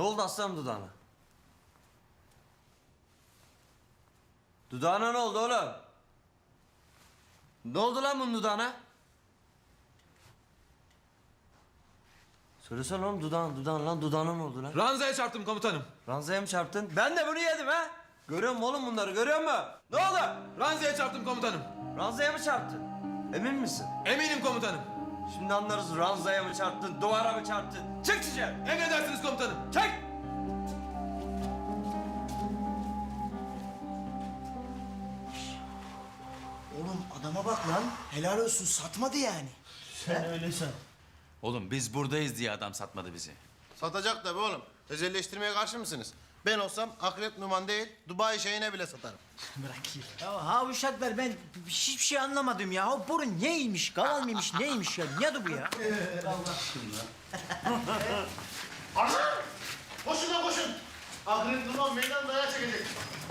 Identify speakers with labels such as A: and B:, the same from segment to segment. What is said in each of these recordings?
A: oldu aslanım dudağına? Dudağına ne oldu oğlum? Ne oldu lan bunun dudağına? Söylesene oğlum dudağın lan dudağına ne oldu lan?
B: Ranzaya çarptım komutanım.
A: Ranzaya mı çarptın? Ben de bunu yedim ha. Görüyor musun oğlum bunları görüyor musun? Ne oldu?
B: Ranzaya çarptım komutanım.
A: Ranzaya mı çarptın? Emin misin?
B: Eminim komutanım.
A: Şimdi anlarız ranzaya mı çarptın, duvara mı çarptın? Çık dışarı!
B: Emredersiniz komutanım.
A: Çık!
C: Oğlum adama bak lan. Helal olsun satmadı yani.
D: Sen öyle san.
E: Oğlum biz buradayız diye adam satmadı bizi.
F: Satacak tabii oğlum. Özelleştirmeye karşı mısınız? Ben olsam akrep numan değil, Dubai şeyine bile satarım.
C: Ya ha uşaklar ben hiçbir şey anlamadım ya. O boru neymiş? Kaval mıymış? Neymiş ya? Neydi bu ya?
F: Koşun lan koşun! Akrep numan meydan dayağı çekecek.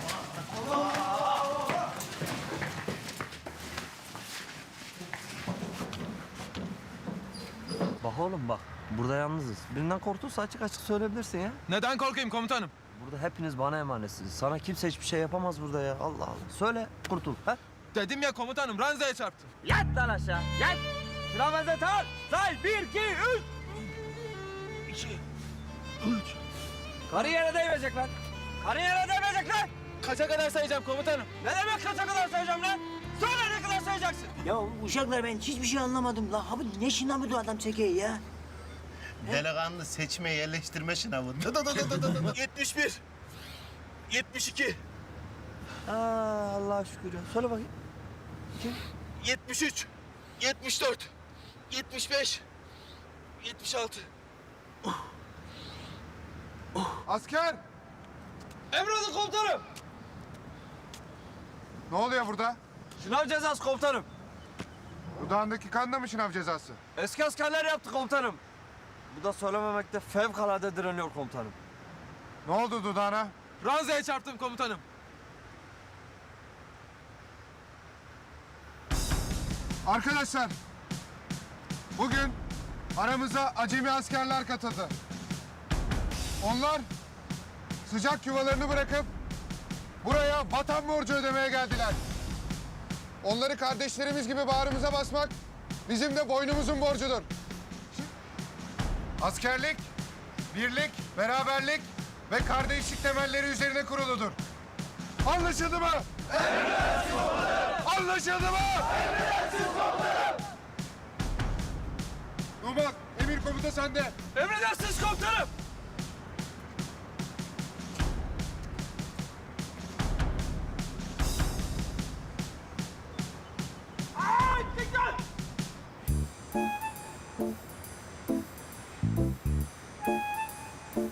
A: Bak oğlum bak, burada yalnızız. Birinden korktuysa açık açık söyleyebilirsin ya.
B: Neden korkayım komutanım?
A: Burada hepiniz bana emanetsiniz. Sana kimse hiçbir şey yapamaz burada ya. Allah Allah. Söyle, kurtul. Ha?
B: Dedim ya komutanım, ranzaya çarptım.
A: Yat lan aşağı, yat! Sıra benzet al! Say, 1, 2, 3! Karı yere değmeyecek lan! Karı yere değmeyecek lan!
B: Kaça kadar sayacağım komutanım?
A: Ne demek kaça kadar sayacağım lan? Söyle ne kadar sayacaksın?
C: Ya uşaklar ben hiçbir şey anlamadım. La abi ne şınav bu adam çekiyor ya?
F: Delikanlı seçme yerleştirme sınavı.
D: 71. 72.
A: Aa, Allah'a şükür ya. Söyle bakayım.
D: 73. 74. 75. 76.
G: Asker!
A: Emredin komutanım!
G: Ne oluyor burada?
A: Şınav cezası komutanım.
G: Dudağındaki kan da mı şınav cezası?
A: Eski askerler yaptı komutanım. Bu da söylememekte fevkalade direniyor komutanım.
G: Ne oldu dudağına?
B: Ranzaya çarptım komutanım.
G: Arkadaşlar, bugün aramıza acemi askerler katıldı. Onlar sıcak yuvalarını bırakıp buraya vatan borcu ödemeye geldiler. Onları kardeşlerimiz gibi bağrımıza basmak bizim de boynumuzun borcudur. Askerlik, birlik, beraberlik ve kardeşlik temelleri üzerine kuruludur. Anlaşıldı mı? Emredersiniz komutanım. Anlaşıldı mı? Emredersiniz komutanım. Numan, emir komuta sende.
A: Emredersiniz komutanım.